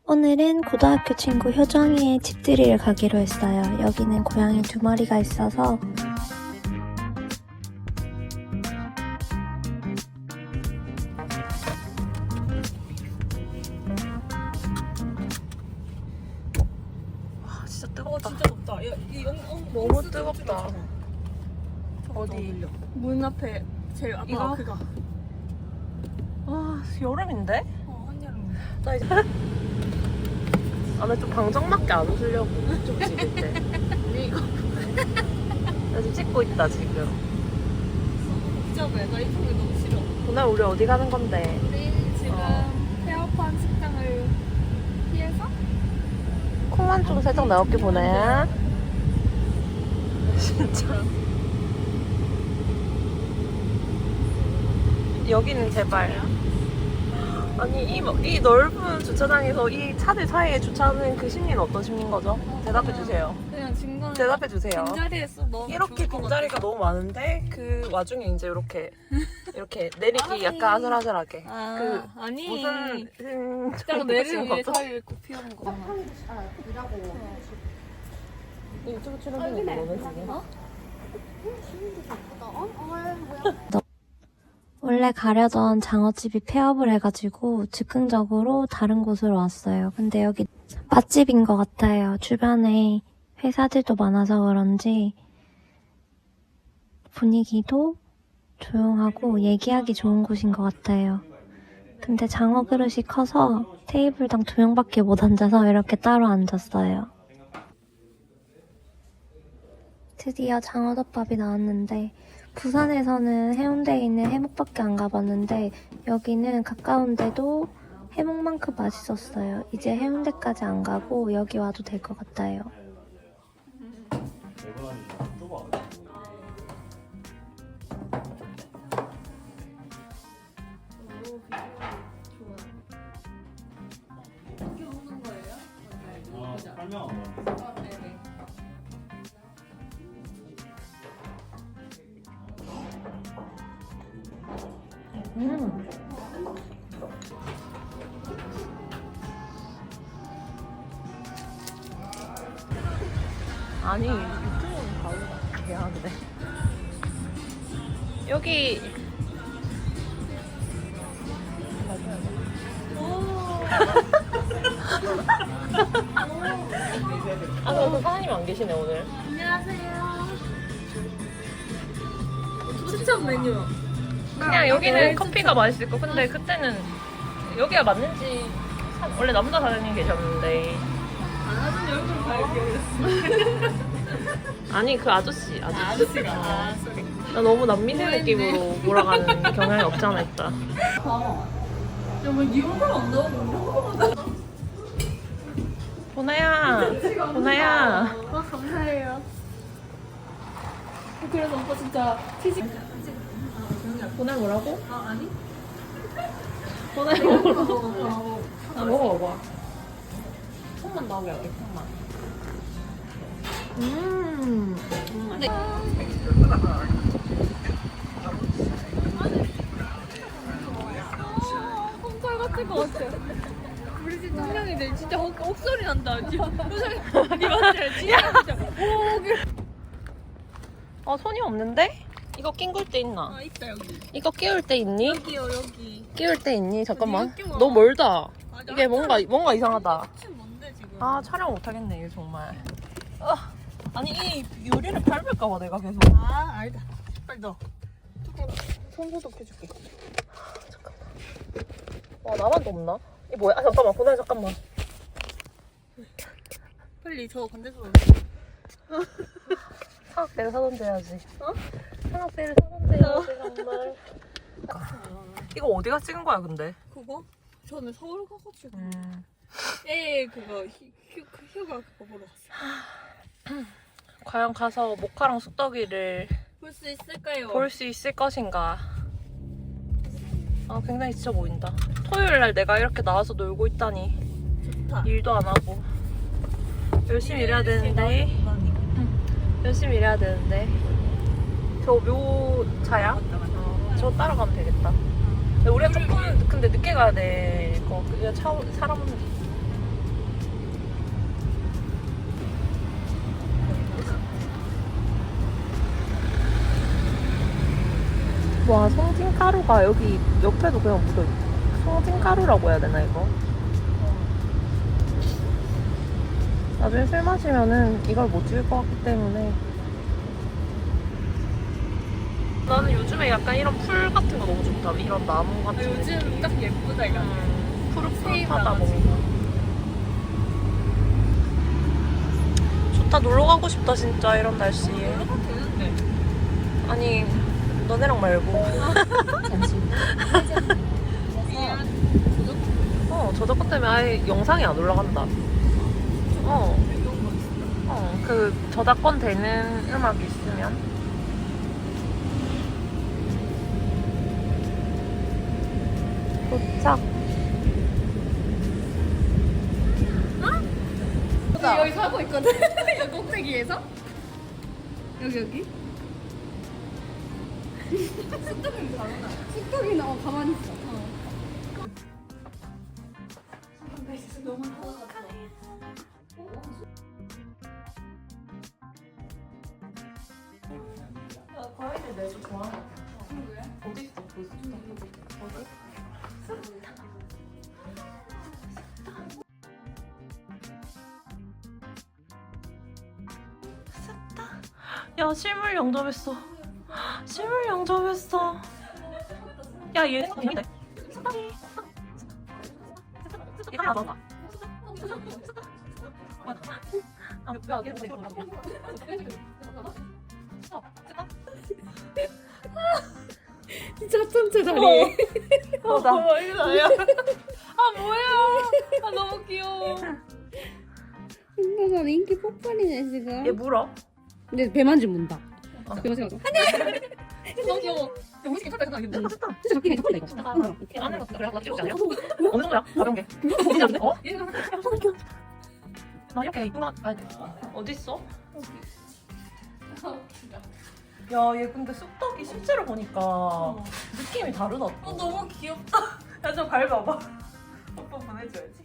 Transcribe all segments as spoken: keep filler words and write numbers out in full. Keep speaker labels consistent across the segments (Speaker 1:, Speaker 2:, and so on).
Speaker 1: 오늘은 고등학교 친구 효정이의 집들이를 가기로 했어요. 여기는 고양이 두 마리가 있어서
Speaker 2: 와 진짜 뜨겁다.
Speaker 3: 어 진짜 덥다. 야, 이 영, 어,
Speaker 2: 너무
Speaker 3: 이
Speaker 2: 뜨겁다. 어디?
Speaker 3: 문 앞에 제일 앞에
Speaker 2: 이거?
Speaker 3: 그거.
Speaker 2: 와 여름인데?
Speaker 3: 어 한여름.
Speaker 2: 나 이제 안에 좀 방정맞게 안 웃으려고 좀 찍을 때.
Speaker 3: 이거
Speaker 2: 나 지금 찍고 있다 지금.
Speaker 3: 복잡해. 나 이런 게 너무 싫어.
Speaker 2: 오늘 우리 어디 가는 건데?
Speaker 3: 우리 지금
Speaker 2: 어.
Speaker 3: 폐업한 식당을 피해서
Speaker 2: 콩만 좀 살짝 나올게 보내. 진짜. 여기는 제발. 아니 이, 이 넓은 주차장에서 이 차들 사이에 주차하는 그 심리는 어떤 심리인 거죠? 대답해 주세요.
Speaker 3: 그냥 증거는
Speaker 2: 대답해 주세요.
Speaker 3: 빈자리에서 너무
Speaker 2: 이렇게
Speaker 3: 좋을 것
Speaker 2: 빈자리가
Speaker 3: 같아.
Speaker 2: 너무 많은데 그 와중에 이제 이렇게 이렇게 내리기 약간 아슬아슬하게.
Speaker 3: 아
Speaker 2: 그
Speaker 3: 아니
Speaker 2: 무슨 음,
Speaker 3: 딱 내리는 위에
Speaker 2: 거죠?
Speaker 3: 사이를 꼭 피우는 거잖아.
Speaker 2: 유튜브 출연 중인데 너는 지금?
Speaker 3: 어?
Speaker 1: 원래 가려던 장어집이 폐업을 해가지고 즉흥적으로 다른 곳으로 왔어요. 근데 여기 맛집인 것 같아요. 주변에 회사들도 많아서 그런지 분위기도 조용하고 얘기하기 좋은 곳인 것 같아요. 근데 장어 그릇이 커서 테이블당 두 명밖에 못 앉아서 이렇게 따로 앉았어요. 드디어 장어덮밥이 나왔는데 부산에서는 해운대에 있는 해묵밖에 안 가봤는데 여기는 가까운데도 해묵만큼 맛있었어요. 이제 해운대까지 안 가고 여기 와도 될 것 같아요.
Speaker 2: 음. 아니 유튜브는 바로 해야 돼. 여기 아, 그래서 사장님 안 계시네 오늘.
Speaker 3: 안녕하세요. 추천 메뉴.
Speaker 2: 그냥 여기는 커피가 맛있을 거. 근데 그때는 여기가 맞는지 사- 원래 남자 사장님 계셨는데.
Speaker 3: 아는 얼굴 발견했어.
Speaker 2: 아니 그 아저씨 아저씨.
Speaker 3: 아저씨가. 아, 소리.
Speaker 2: 나 너무 남미세 느낌으로 몰아가는 경향이 없지 않아 있다.
Speaker 3: 야, 뭐 이런 걸안 나오고 이런 거만
Speaker 2: 보나야, 보나야.
Speaker 3: 아, 감사해요. 그래서 오빠 진짜 피식.
Speaker 2: 보나 뭐라고?
Speaker 3: 아, 아니?
Speaker 2: 보나야 뭐라고? 아 먹어봐. 손만 나오게 할게. 손만. 음.
Speaker 3: 홈털 같은 거 같아. 우리 집 청량이들 진짜 옥, 옥소리 난다. 지금 니 맞지? 진짜 진짜. 오, 그-
Speaker 2: 어 손이 없는데? 이거 낑굴 때 있나?
Speaker 3: 아 있다 여기.
Speaker 2: 이거 끼울 때 있니?
Speaker 3: 여기요 여기.
Speaker 2: 끼울 때 있니? 잠깐만.
Speaker 3: 여기 끼워.
Speaker 2: 너무 멀다.
Speaker 3: 아,
Speaker 2: 이게 뭔가 뭔가 이상하다.
Speaker 3: 지금 뭔데 지금?
Speaker 2: 아 촬영 못 하겠네 이거 정말. 아, 아니 이 요리를 밟을까 봐 내가 계속.
Speaker 3: 아 알다. 빨리 넣어.
Speaker 2: 손 소독해줄게. 잠깐만. 와 나만 덥나? 이 뭐야? 아 잠깐만 보나 잠깐만.
Speaker 3: 빨리 저 반대쪽으로.
Speaker 2: 사각대를 사던데 해야지.
Speaker 3: 어?
Speaker 2: 사각대를 사던데 해야지 정말. 이거 어디가 찍은 거야 근데?
Speaker 3: 그거? 저는 서울 가가지고.
Speaker 2: 음.
Speaker 3: 에 그거 휴, 휴, 휴가 그거 보러 갔어.
Speaker 2: 과연 가서 모카랑 쑥떡이를
Speaker 3: 볼 수 있을까요?
Speaker 2: 볼 수 있을 것인가? 아 굉장히 지쳐 보인다. 토요일 날 내가 이렇게 나와서 놀고 있다니.
Speaker 3: 좋다.
Speaker 2: 일도 안 하고 열심히 일해야 되는데. 열심히 일해야 되는데. 저 묘차야? 어, 저 따라가면 되겠다. 근데 우리가 조금 근데 늦게 가야 돼. 거 그게 차 사람은 와, 송진가루가 여기 옆에도 그냥 묻어있어. 송진가루라고 해야 되나, 이거? 나중에 술 마시면은 이걸 못 지을 것 같기 때문에. 나는 요즘에 약간 이런 풀 같은 거 너무 좋다. 이런 나무 같은 거.
Speaker 3: 요즘 딱 예쁘다 이거.
Speaker 2: 음, 푸릇푸릇하다
Speaker 3: 나가지고.
Speaker 2: 뭔가. 좋다, 놀러 가고 싶다 진짜 이런 날씨에.
Speaker 3: 되는데.
Speaker 2: 아니, 너네랑 말고. 어, 저작권 때문에 아예 영상이 안 올라간다. 어. 어, 그 저작권 되는 음악이 있으면. 도착.
Speaker 3: 여기 사고 있거든. 여기 꼭대기에서. 여기 여기. 쑥떡이는 다르다. 쑥떡이는 어 가만히 있어. 어.
Speaker 2: 과일을 내도 좋아하는 것 같아. 어디 있어? 그 쑥떡. 어디? 쑥떡. 야, 실물 영접했어. 실물 영접했어. 야, 얘 재밌네. 쑥떡이. 얘가 나 봐봐. 아, 야, 얘 되게 좋아.
Speaker 3: 진짜 천체 다리.
Speaker 2: 어, 나.
Speaker 3: 어, 이거 나야. 아 뭐야? 아 너무 귀여워.
Speaker 4: 순간 인기 폭발이네 지금.
Speaker 2: 얘 물어?
Speaker 4: 근데 배 만지문다.
Speaker 2: 어.
Speaker 4: 배 만지면
Speaker 3: 너무 귀여워. 너무 괜찮다 생각했는데.
Speaker 2: 아, 좋다.
Speaker 4: 진짜 잡히네 잡히다 이거.
Speaker 2: 아,
Speaker 4: 응.
Speaker 2: 이렇게 안에 넣었어. 그래, 나 찍었지 않냐? 어느 정도야? 가벼운 게. 어디 잡는데? 어?
Speaker 3: 얘가
Speaker 2: 나 이렇게 이쁘나? 아, 어딨어? 야, 얘 근데 쑥떡이 실제로 보니까 느낌이 다르다.
Speaker 3: 어 너무 귀엽다.
Speaker 2: 야, 좀 밟아봐. 오빠 보내줘야지.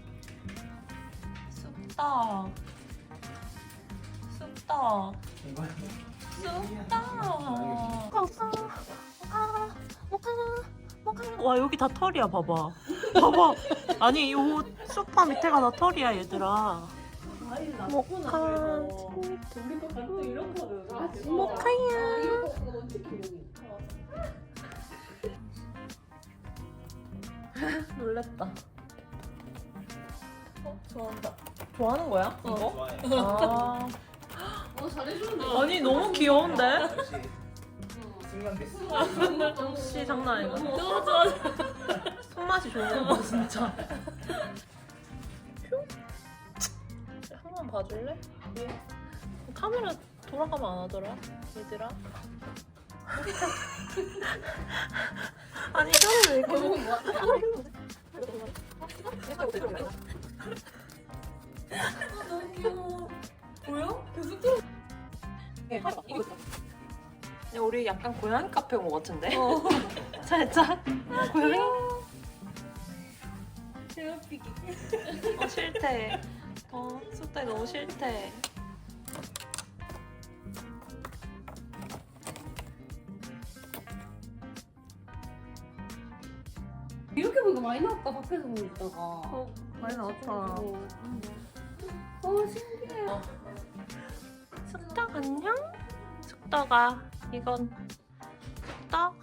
Speaker 2: 쑥떡. 쑥떡. 쑥떡. 와, 여기 다 털이야, 봐봐. 봐봐. 아니, 요 소파 밑에가 다 털이야, 얘들아. 모카. 모카야. 놀랬다. 어, 좋아한다. 좋아하는 거야? 이거? 아.
Speaker 3: 어 잘해주는데.
Speaker 2: 아니, 너무 귀여운데?
Speaker 5: 승관됐어.
Speaker 2: 역시 장난 아니고.
Speaker 3: 너무 좋아.
Speaker 2: 손맛이 좋은 거 진짜. 한 번 봐줄래? 얘 카메라 돌아가면 안 하더라, 얘들아. 아니, 혀를 왜 이렇게
Speaker 3: 너무 뭐야? 너무 귀여워. 뭐야? 계속 들어.
Speaker 2: 야, 우리 약간 고양이 카페 온 것 같은데? 어. 살짝 고양이?
Speaker 3: 괴롭히기.
Speaker 2: 어, 싫대. 어, 쑥떡이 너무 싫대.
Speaker 4: 이렇게 보니까 많이 나왔다 밖에서 보니까.
Speaker 2: 어, 많이 나왔다.
Speaker 4: 어, 어 신기해.
Speaker 2: 어. 쑥떡 안녕? 쑥떡아, 이건 쑥떡?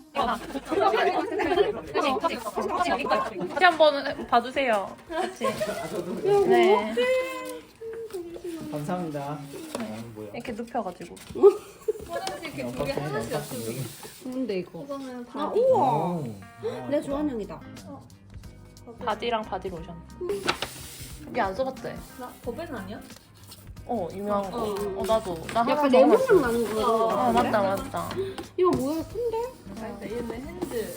Speaker 2: 같이 한번 봐주세요. 같이. 네.
Speaker 5: 감사합니다. 아, 뭐야?
Speaker 2: 이렇게 눕혀가지고.
Speaker 3: 화장실 이렇게
Speaker 5: 어,
Speaker 3: 두개 하나씩
Speaker 5: 어,
Speaker 3: 놔두고.
Speaker 4: 좋은데 이거.
Speaker 3: 이거는
Speaker 4: 아
Speaker 3: 바디.
Speaker 4: 우와.
Speaker 5: 오.
Speaker 4: 내 좋아하는 형이다.
Speaker 2: 바디랑 바디 로션. 여기 안 써봤대.
Speaker 3: 나 버벤 아니야?
Speaker 2: 어, 유명한 거.
Speaker 3: 어.
Speaker 2: 어, 나도. 나 하나
Speaker 4: 약간
Speaker 2: 더
Speaker 4: 레몬향
Speaker 2: 하나
Speaker 4: 나는 거.
Speaker 2: 어, 맞다, 맞다.
Speaker 4: 이거 뭐야 큰데?
Speaker 3: 아, 얘는 핸드.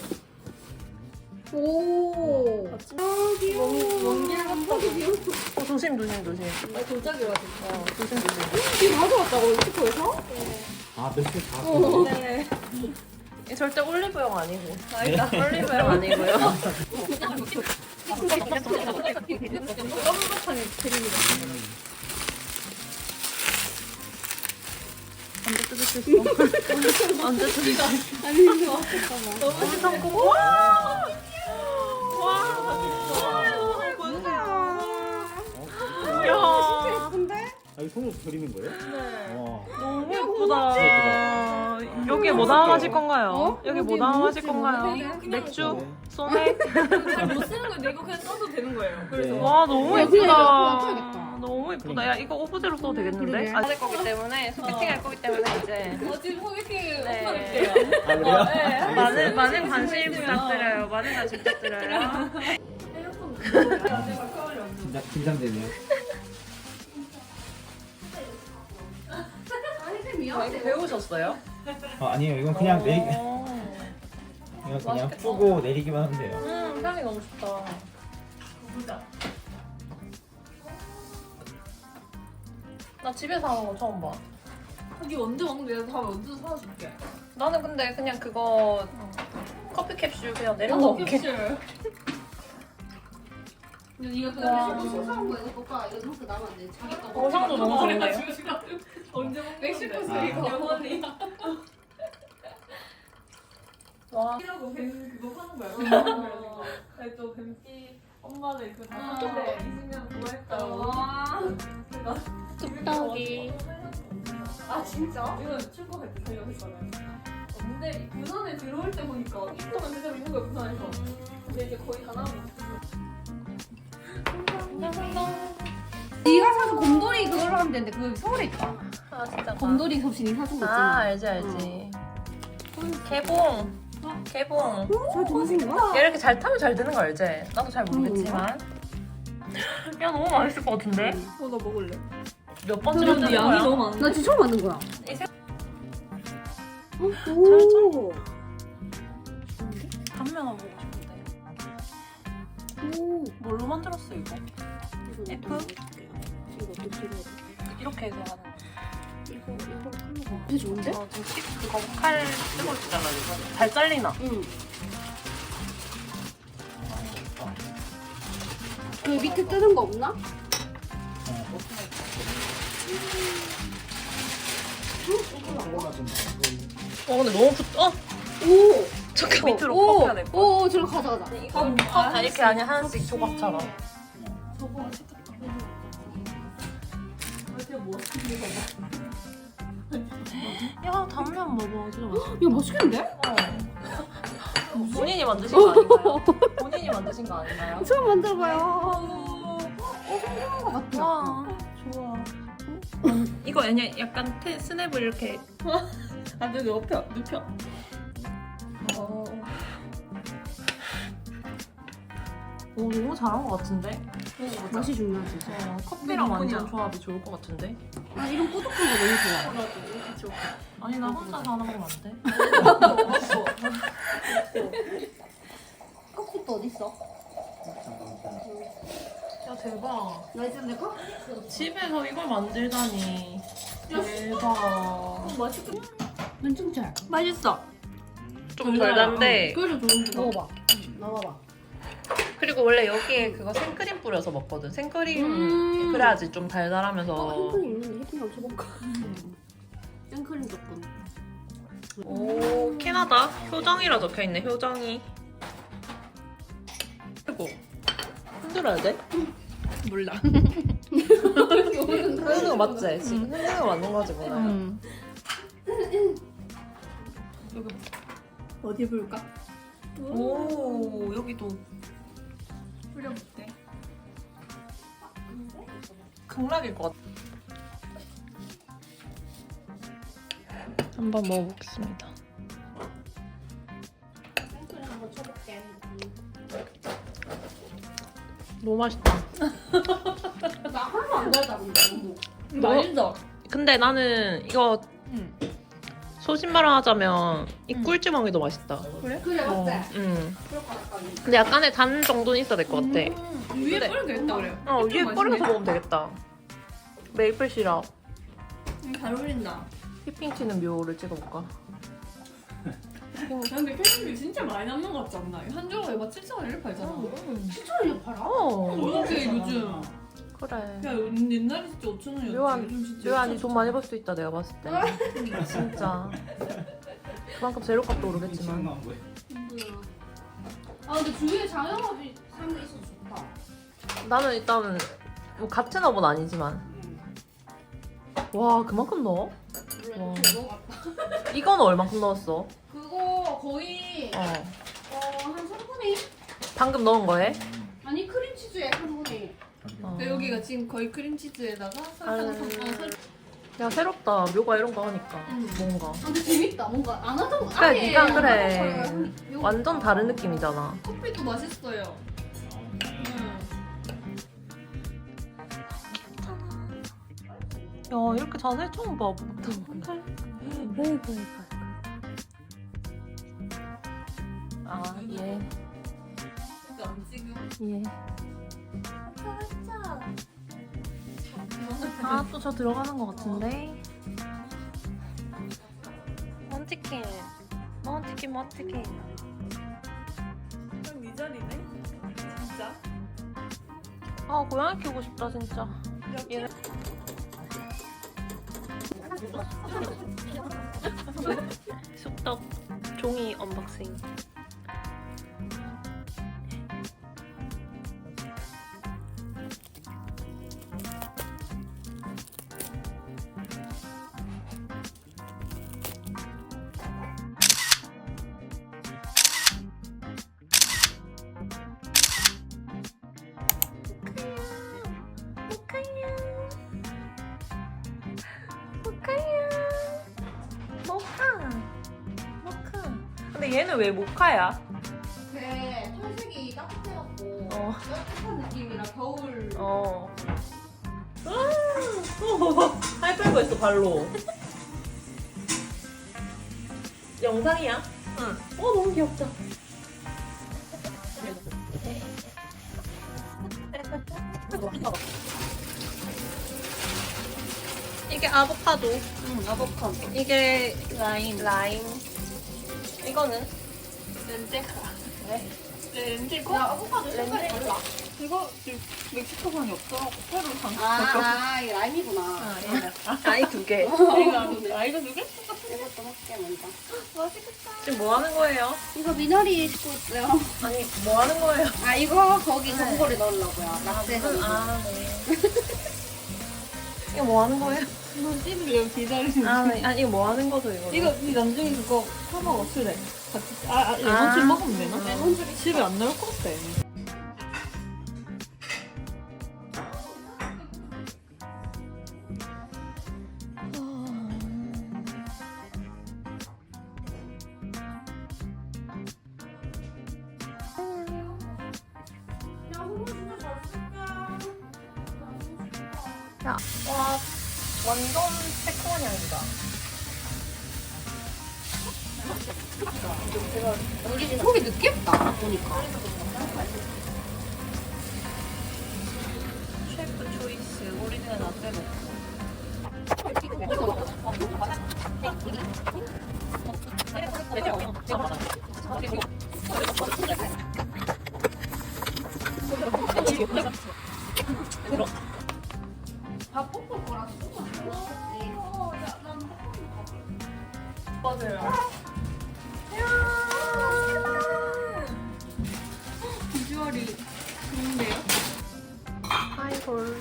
Speaker 4: 오. 아 귀여워.
Speaker 3: 원길 같다.
Speaker 2: 어, 조심, 조심, 조심.
Speaker 3: 나 돌짝이라고.
Speaker 2: 어, 조심, 조심.
Speaker 4: 이거 가져왔다고 엑스포에서?
Speaker 5: 아, 며칠 다.
Speaker 3: 네.
Speaker 2: 이 절대 올리브영 아니고.
Speaker 3: 아니다.
Speaker 2: 올리브영 아니고요.
Speaker 3: 더블버튼이 드립니다.
Speaker 2: 언제 뜯을 맛있어. 언제 드리가?
Speaker 4: 아니 이거
Speaker 2: 너무 시청고. 와. 와. 야.
Speaker 4: 예쁜데?
Speaker 5: 아, 이 손으로 그리는 거예요? 네. 와.
Speaker 2: 너무 예쁘다. 여기 뭐 담아마실 건가요? 여기 뭐 담아마실 건가요? 맥주? 소맥?
Speaker 3: 잘못 쓰는 건데 이거 그냥 써도 되는 거예요. 그래서
Speaker 2: 와 너무
Speaker 4: 야, 그냥
Speaker 2: 예쁘다.
Speaker 4: 이거 사야겠다.
Speaker 2: 너무 예쁘다. 야 이거 오브제로 써도 되겠는데?
Speaker 4: 그러게.
Speaker 2: 안 할 거기 때문에 소개팅 할 거기 때문에 이제
Speaker 3: 어, 지금 소개팅을
Speaker 2: 네.
Speaker 3: 못하겠대요.
Speaker 5: 아, 그래요?
Speaker 2: 많은 많은 관심 부탁드려요. 많은 관심 부탁드려요.
Speaker 5: 긴장, 긴장되네요.
Speaker 2: 배우셨어요?
Speaker 5: 아, 아니에요. 이건 그냥 내리,
Speaker 2: 어.
Speaker 5: 이건 그냥
Speaker 2: 맛있겠다.
Speaker 5: 푸고 내리기만 하면 돼요.
Speaker 2: 음 향이 너무 좋다. 나 집에서 하는 거 처음 봐.
Speaker 3: 여기 언제 먹는데 내가 다음에 언제 사다 줄게.
Speaker 2: 나는 근데 그냥 그거 커피 캡슐 그냥 내려놓을게.
Speaker 3: 캡슐. 근데 이거
Speaker 2: 와.
Speaker 3: 그냥
Speaker 4: 신사한 거 이거 볼까? 이거 이렇게 나면 안 돼. 자기 거.
Speaker 2: 어, 향도 너무 좋은데요?
Speaker 3: 언제 먹는데?
Speaker 4: 멕시코에서
Speaker 5: 아.
Speaker 4: 이거.
Speaker 3: 영원히.
Speaker 2: 와.
Speaker 3: 이라고 뱀 그거 파는 거야. 그래서 아니, 또 뱀띠 엄마들 그거 다 사는데 이십 년 좋아했다고.
Speaker 1: 뚝딱이.
Speaker 3: 아 진짜? 이건 출국할 때 생각했잖아요. 근데 부산에 들어올 때 보니까 입도만 제대로 있는 거야 부산에서. 근데 이제 거의 다 나온
Speaker 4: 네가 사준 곰돌이 그걸로 하면 되는데 그 서울에 있다.
Speaker 2: 아 진짜.
Speaker 4: 곰돌이 섭신이 사준 거
Speaker 2: 아
Speaker 4: 있잖아.
Speaker 2: 알지 알지. 개봉. 개봉.
Speaker 4: 잘 들으신 거야?
Speaker 2: 얘 이렇게 잘 타면 잘 되는 거 알지? 나도 잘 모르겠지만. 야 너무 맛있을 것 같은데?
Speaker 3: 어나 먹을래.
Speaker 2: 몇 번째 만드는 거야?
Speaker 3: 많아.
Speaker 4: 나 지금 처음 만든 거야.
Speaker 2: 이 생-
Speaker 4: 오.
Speaker 2: 단면 먹고 싶은데.
Speaker 4: 오.
Speaker 2: 뭘로 만들었어 이거? F?
Speaker 4: 이거 어떻게 들어야 돼?
Speaker 2: 이렇게 해서 하는 거.
Speaker 4: 이거 이거 하는 거. 되게 좋은데?
Speaker 2: 어, 지금 식 그거 칼 쓰고 있잖아 이거. 잘 잘리나?
Speaker 4: 응. 그 밑에 뜨는 거 없나?
Speaker 2: 어 근데 너무 붙. 어
Speaker 4: 오.
Speaker 2: 잠깐 밑으로
Speaker 4: 오.
Speaker 2: 꺾여야 될 거야.
Speaker 4: 오, 저로 가져가자.
Speaker 2: 아 이렇게 아니 하나씩 조각처럼. 야 단면 먹어 진짜 맛있어.
Speaker 4: 야, 맛있겠는데?
Speaker 2: 본인이 만드신 거 아닌가요? 본인이 만드신 거 아닌가요?
Speaker 4: 처음 만들어봐요. 어, 성공한 거 같아.
Speaker 2: 와 좋아. 이거 아니 약간 테, 스냅을 이렇게.
Speaker 3: 안 돼, 눕혀, 눕혀.
Speaker 2: 어. 오 너무 잘한 것 같은데?
Speaker 4: 맛이 중요하지.
Speaker 2: 어, 커피랑 완전 조합이 좋을 것 같은데?
Speaker 4: 아, 이런 꾸덕한 거 너무 좋아.
Speaker 2: 아니 나 혼자 사는 건 안 돼?
Speaker 4: 컵도 어딨어?
Speaker 2: 야 대박.
Speaker 4: 나 이제 내 컵?
Speaker 2: 집에서 이걸 만들다니. 대박.
Speaker 4: 난 진짜.
Speaker 3: 맛있어.
Speaker 2: 좀 덜 단데.
Speaker 3: 그래서 좋은 거.
Speaker 4: 먹어봐. 나와봐.
Speaker 2: 그리고 원래 여기에 그거 생크림 뿌려서 먹거든. 생크림
Speaker 4: 음.
Speaker 2: 그래야지 좀 달달하면서.
Speaker 4: 어, 햄크림 있는데 햄크림 한번 쳐볼까? 생크림 조금.
Speaker 2: 오 캐나다 효정이라 적혀 있네. 효정이. 그리고 흔들어야 돼?
Speaker 3: 몰라.
Speaker 2: 흔드는 거 맞지? 지금 흔드는 거 맞는 거지 뭐야.
Speaker 3: 음.
Speaker 2: 여기.
Speaker 3: 어디 볼까?
Speaker 2: 오 여기도
Speaker 3: 뿌려볼게.
Speaker 2: 극락일 것 같아. 한번 먹어보겠습니다.
Speaker 4: 생크림 한번 쳐볼게.
Speaker 2: 너무 맛있다.
Speaker 4: 나 하나도 안 달다 근데 너무.
Speaker 3: 맛있어.
Speaker 2: 근데 나는 이거
Speaker 3: 응.
Speaker 2: 소신발언 하자면 이
Speaker 3: 응.
Speaker 2: 꿀주먹이 더 맛있다.
Speaker 4: 그래
Speaker 2: 어,
Speaker 4: 맞지?
Speaker 2: 음.
Speaker 4: 그럴 것 같다.
Speaker 2: 근데 약간의 단 정도는 있어야 될 것 같아.
Speaker 3: 위에
Speaker 2: 근데-
Speaker 3: 뿌리면 되겠다 그래.
Speaker 2: 어 위에
Speaker 3: 맛있네.
Speaker 2: 뿌려서 먹으면 되겠다. 메이플 시럽.
Speaker 3: 음, 잘 어울린다.
Speaker 2: 휘핑 튀는 묘를 찍어볼까?
Speaker 3: 근데 캐릭터이 진짜 많이 남는 것 같지 않나? 한 조각에 막 칠천 원 이렇게 팔잖아.
Speaker 4: 추천을 팔아?
Speaker 2: 어.
Speaker 3: 이게 요즘
Speaker 2: 그래.
Speaker 3: 야 옛날에 진짜 오천 원이었지.
Speaker 2: 묘한,
Speaker 3: 요즘 진짜
Speaker 2: 묘한이 돈 많이 벌 수 있다 내가 봤을 때. 진짜. 그만큼 재료값도 오르겠지만.
Speaker 5: 미치는 건 뭐야?
Speaker 4: 아 근데 주위에 장영업이 사는 데 있어서 좋다.
Speaker 2: 나는 일단 뭐 같은 업은 아니지만. 와 그만큼 넣어? 와.
Speaker 4: 물론 너
Speaker 2: 이건 얼만큼 넣었어?
Speaker 4: 그거 거의
Speaker 2: 어.
Speaker 4: 어한 삼분의 일?
Speaker 2: 방금 넣은 거에?
Speaker 4: 아니 크림치즈에 삼분의 일.
Speaker 2: 어.
Speaker 3: 근데 여기가 지금 거의 크림치즈에다가 설탕
Speaker 2: 아.
Speaker 3: 섞어 설.
Speaker 2: 야 새롭다. 묘가 이런 거 하니까
Speaker 3: 응.
Speaker 2: 뭔가.
Speaker 4: 아, 근데 재밌다. 뭔가 안 하던 거.
Speaker 2: 그래,
Speaker 4: 아예
Speaker 2: 네가
Speaker 4: 안
Speaker 2: 그래.
Speaker 4: 하던 걸 요-
Speaker 2: 완전 다른 느낌이잖아.
Speaker 3: 커피도 맛있어요. 응.
Speaker 2: 야 이렇게 자세히 처음 봐. 아 예.
Speaker 3: 안 지금.
Speaker 2: 예. 아 또 저 들어가는 것 같은데. 먼치킨. 먼치킨 먼치킨.
Speaker 3: 그럼 이 자리네. 진짜.
Speaker 2: 아 고양이 키우고 싶다 진짜. 얘네. 쑥떡 종이 언박싱. 모카 모카. 근데 얘는 왜 모카야?
Speaker 4: 네, 털색이 따뜻해갖고
Speaker 2: 어.
Speaker 4: 따뜻한 느낌이라 겨울.
Speaker 2: 어. 하이파이브 했어 발로. 영상이야? 응. 어 너무 귀엽다. 이게 아보카도.
Speaker 4: 응, 아보카도.
Speaker 2: 이게 라임. 라임. 이거는
Speaker 3: 렌제카.
Speaker 2: 네.
Speaker 3: 렌제카.
Speaker 4: 야, 아보카도 색깔이
Speaker 2: 렌즈?
Speaker 4: 달라.
Speaker 3: 이거 지금 멕시코산이 없더라고. 페루산.
Speaker 4: 아, 아, 이 라임이구나.
Speaker 2: 아, 얘는. 아이 두 개.
Speaker 3: 이거 아 이거 누구?
Speaker 4: 이것도 먹게 먼저.
Speaker 2: 지금 뭐 하는 거예요?
Speaker 4: 이거 미나리 싣고 있어요.
Speaker 2: 아니 뭐 하는 거예요?
Speaker 4: 아, 이거 거기
Speaker 2: 네.
Speaker 4: 전골에 넣으려고요. 낙지 전골.
Speaker 2: 아 네. 이거 뭐 하는 거예요?
Speaker 3: 이거 찌르려고 기다리는.
Speaker 2: 아, 네. 아니 이거 뭐 하는 거죠 이거?
Speaker 3: 이거 이 나중에 그거 사 먹어 술에. 같이. 아, 아
Speaker 2: 아.
Speaker 3: 레몬즙 먹으면 되나?
Speaker 4: 레몬즙이
Speaker 3: 집에 안 나올 것 같아.
Speaker 4: 야, 홍보 진짜 잘 쓸까?
Speaker 2: 야, 와 완전 새콤한 향이다.
Speaker 4: 우리 지금 속이 느끼했다, 보니까.
Speaker 2: 셰프 초이스 오리지널 라떼 먹고.
Speaker 4: 밥 볶을 거라 소금 어, 야, 난
Speaker 2: 맞아요.
Speaker 3: 비주얼이 좋은데요?
Speaker 2: 하이볼.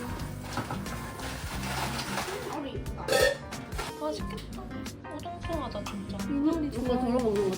Speaker 4: 머리 이쁘다.
Speaker 2: 맛있겠다. 오동통하다 진짜.
Speaker 3: 미나리
Speaker 4: 이거 덜어 먹는 거.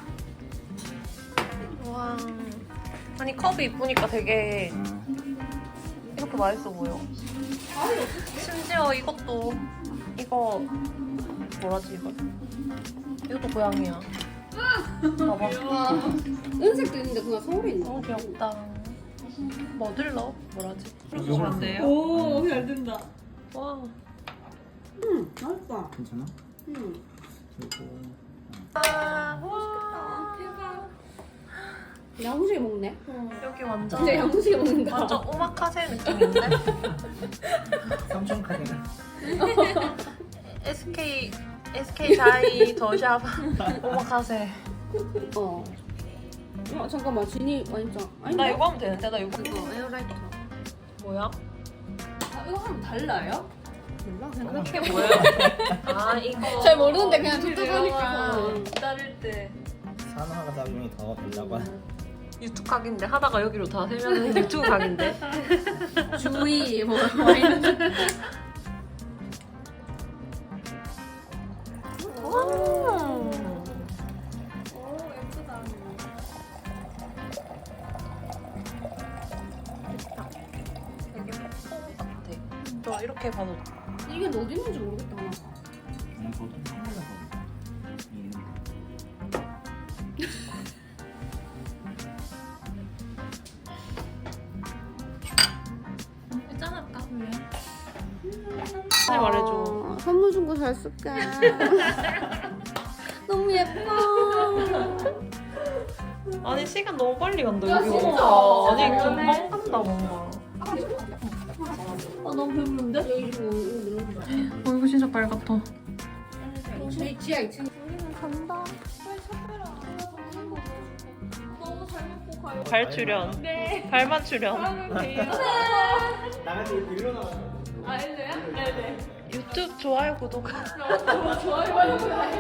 Speaker 2: 와. 아니 컵이 이쁘니까 되게 이렇게 맛있어 보여. 심지어 이것도 이거 뭐라지 이거? 이것도 고양이야. 봐봐.
Speaker 4: 와, 은색도 있는데 그냥 서울에 있는
Speaker 2: 너무 귀엽다. 머들러 뭐라지?
Speaker 5: 요거
Speaker 2: 돼요?
Speaker 3: 오, 잘 된다.
Speaker 2: 와.
Speaker 4: 응, 맛있다.
Speaker 5: 괜찮아?
Speaker 4: 응.
Speaker 5: 그리고
Speaker 2: 아, 와.
Speaker 4: 대박. 야무지게 먹네.
Speaker 2: 여기 완전
Speaker 4: 진짜 야무지게 먹는다.
Speaker 2: 완전 오마카세 느낌인데?
Speaker 5: 삼촌 카드는
Speaker 2: 에스케이 에스케이 자이 더샵 오마카세.
Speaker 4: 어. 어, 잠깐만, 진이 완전. 아니,
Speaker 2: 나 이거 하면 되는데 나 이거
Speaker 4: 이거 에어라이터.
Speaker 2: 뭐야?
Speaker 4: 이거 하면 달라요?
Speaker 3: 몰라 그냥
Speaker 2: 그게 뭐야? 아 이거
Speaker 3: 잘 모르는데 그냥
Speaker 2: 줄
Speaker 3: 툭툭하니까.
Speaker 2: 외워서 자를 때
Speaker 5: 산화 작용이 더 되려고 하는.
Speaker 2: 유튜브 각인데 하다가 여기로 다 세면은 유튜브 각인데.
Speaker 3: 주의 뭐, 뭐 이런
Speaker 2: 저 이렇게 봐도
Speaker 4: 이게 어디 있는지 모르겠다. 하나.
Speaker 5: 음, 보통 한국에서 있는데.
Speaker 3: 짠할까? 왜?
Speaker 2: 빨리 말해줘.
Speaker 3: 선물 준 거 잘 쓸게. 너무 예뻐.
Speaker 2: 아니 시간 너무 빨리 간다
Speaker 3: 야,
Speaker 2: 여기.
Speaker 3: 진짜.
Speaker 2: 아니 금방 간다 뭔가.
Speaker 3: 아 너무 배부른데? 여기 이거 이거 눌러줘.
Speaker 2: 얼굴 진짜 빨갛다.
Speaker 3: 저희 지하 이 층.
Speaker 1: 간다.
Speaker 3: 너무 잘 먹고 가요.
Speaker 2: 발 출연.
Speaker 3: 네.
Speaker 2: 발만 출연.
Speaker 3: 사랑을 돼요.
Speaker 5: 나가서 일로 나가.
Speaker 3: 아 엘레야? 네네.
Speaker 2: 유튜브 좋아요 구독.
Speaker 3: 너무 좋아요.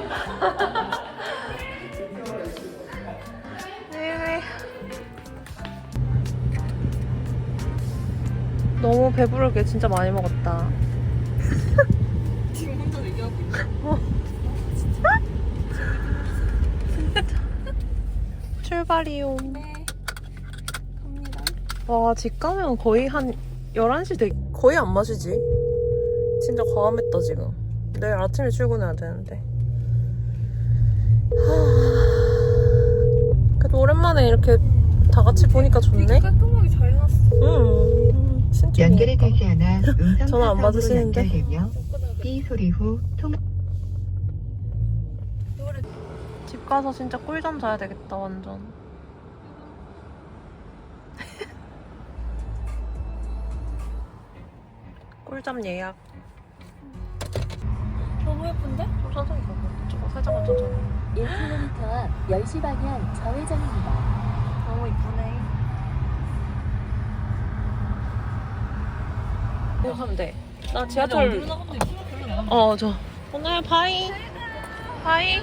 Speaker 2: 네. 너무 배부르게 진짜 많이 먹었다.
Speaker 3: 지금 혼자 얘기하고 있어.
Speaker 2: 출발이요.
Speaker 3: 네. 갑니다.
Speaker 2: 와, 집 가면 거의 한 열한 시 돼. 거의 안 마시지? 진짜 과감했다, 지금. 내일 아침에 출근해야 되는데. 하... 그래도 오랜만에 이렇게 다 같이 보니까 좋네?
Speaker 3: 깔끔하게 잘 해놨어.
Speaker 2: 응. 진짜.
Speaker 6: 연결이 되지 않아 음성
Speaker 2: 전화 안
Speaker 6: 사선으로
Speaker 2: 받으시는데?
Speaker 6: 연결되며 삐 소리 후 통.
Speaker 2: 집 가서 진짜 꿀잠 자야 되겠다, 완전. 꿀잠 예약.
Speaker 3: 너무 예쁜데?
Speaker 2: 좀 천천히 가고. 저거 살짝만 천천히.
Speaker 7: 일 킬로미터 앞 열 시 방향 좌회전입니다.
Speaker 2: 너무 이쁘네. 이거 하면 돼. 나 지하철. 어, 저. 오늘 바이. 바이.